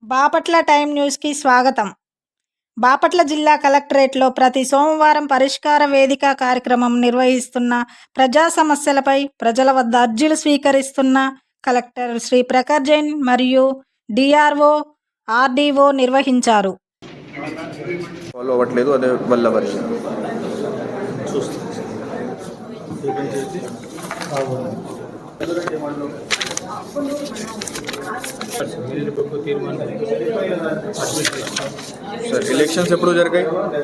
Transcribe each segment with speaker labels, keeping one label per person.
Speaker 1: Bapatla time న్యూస్కి స్వాగతం. బాపట్ల జిల్లా కలెక్టరేట్లో ప్రతి సోమవారం పరిష్కార వేదిక కార్యక్రమం నిర్వహిస్తున్న ప్రజా సమస్యలపై ప్రజల వద్ద అర్జీలు స్వీకరిస్తున్న కలెక్టర్ శ్రీ ప్రఖర్ జైన్ మరియు డిఆర్ఓ ఆర్డీఓ నిర్వహించారు.
Speaker 2: ఫాలో అవ్వట్లేదు, అదే వల్ల వర్షం సార్. ఎలక్షన్స్ ఎప్పుడు జరిగాయి?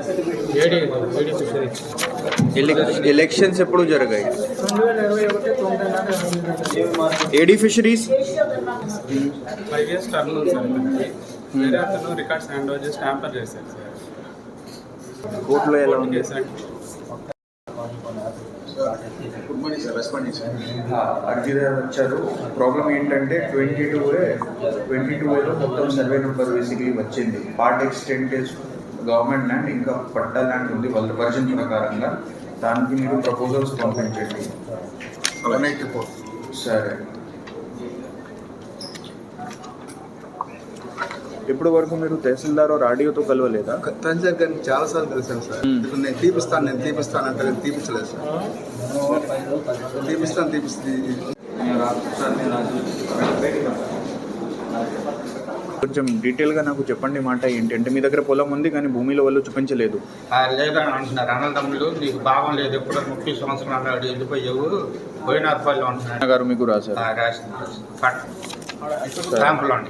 Speaker 2: ఎలక్షన్స్ ఎప్పుడు జరిగాయి? ఏడీ ఫిషరీస్
Speaker 3: 5 years టర్మ్ ఉంది సార్. వేరే అతను రికార్డ్స్ హ్యాండ్ ఓవర్ చేసి ట్యాంపర్ చేశారు సార్.
Speaker 2: కోర్టులో ఎలా ఉంది?
Speaker 4: Good morning sir. రెస్పాండ్ చేశారు.
Speaker 2: అర్జీదారు వచ్చారు. ప్రాబ్లం ఏంటంటే 22A మొత్తం సర్వే నెంబర్ బేసిక్లీ వచ్చింది. పార్ట్ ఎక్స్టెంట్ గవర్నమెంట్ ల్యాండ్, ఇంకా పట్టా ల్యాండ్ ఉంది వాళ్ళ వర్జన్ ప్రకారంగా. దానికి మీరు ప్రపోజల్స్ పంపించండి. సరే. ఇప్పటి వరకు మీరు తహసీల్దార్ ఆర్డీఓతో కలవలేదా?
Speaker 4: సార్ కానీ చాలాసార్లు కలిసాను సార్. ఇప్పుడు నేను తీపిస్తాను అంటే నేను తీపించలేదు సార్.
Speaker 2: కొంచెం డీటెయిల్గా నాకు చెప్పండి. మాట ఏంటంటే మీ దగ్గర పొలం ఉంది కానీ భూమిలో వాళ్ళు చూపించలేదు.
Speaker 5: లేదని అంటున్నారు అన్నదమ్ములు. నీకు భావం లేదు, ఎప్పుడు 30 సంవత్సరాలు అన్నాడు, వెళ్ళిపోయావు పోయినాథపల్లి అంటున్నాడు
Speaker 2: గారు మీకు రాశారు.
Speaker 5: క్యాంపులో అండి.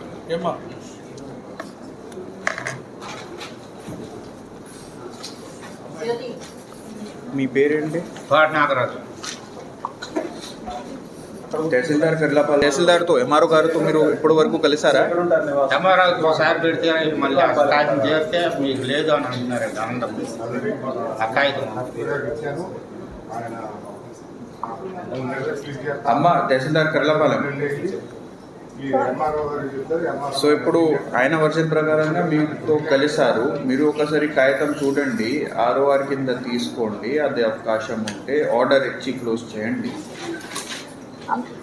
Speaker 2: మీ పేరేంటి?
Speaker 5: పాటి నాగరాజు.
Speaker 2: తహసీల్దార్తో ఎంఆర్ఓ గారితో మీరు ఇప్పటి వరకు కలిసారా?
Speaker 5: ఎంఆర్ఓకి ఒకసారి పెడితే మళ్ళీ ఆ కాగితం చేరితే మీకు లేదు అని అంటున్నారండి అన్నదమ్ములు. ఆ కాగితం
Speaker 2: అమ్మ తహసీల్దార్ కర్లపాలెం. సో ఇప్పుడు ఆయన వర్షన్ ప్రకారంగా మీతో కలిశారు. మీరు ఒకసారి కాగితం చూడండి, ROR కింద తీసుకోండి. అది అవకాశం ఉంటే ఆర్డర్ ఇచ్చి క్లోజ్ చేయండి.